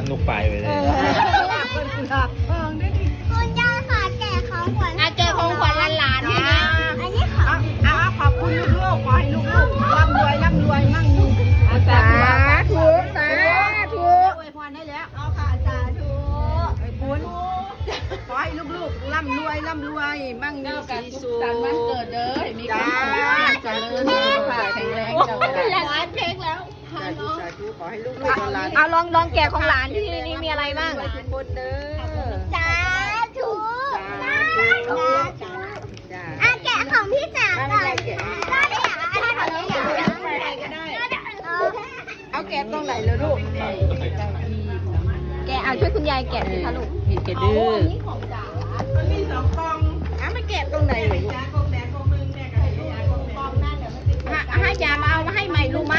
ลูกปลายไปเลยคุณยายค่ะแกะของขวัญแกของขวัญหลานๆนี่นะอันนี้ของขอบคุณลูกๆขอให้ลูกๆร่ำรวยมั่งสาธุสาธุอวยพรได้แล้วเอาค่ะสาธุไอ้ปุ้นขอให้ลูกๆร่ำรวยมั่งมีสีสุขสันวันเกิดเด้อมีความสุขเจริญสุขภาพแข็งแรงเจ้าก็ได้ร้านเค้กแล้วสาธุขอให้ลูกๆหลานเอาลองแกะของหลานที่นี่มีอะไรบ้างทุกคนเด้อสาธุสาธุ จ้าแกะของพี่จ๋าก่อนก็ได้อันนี้ของพี่จ๋าเอาแกะตรงไหนเลยลูกแกะช่วยคุณยายแกะสิคะลูกมีแกะดื้อมันมี2กล่องไม่แกะตรงไหนเลยลูกให้ยามาเอามาให้ใหม่ลูกไหม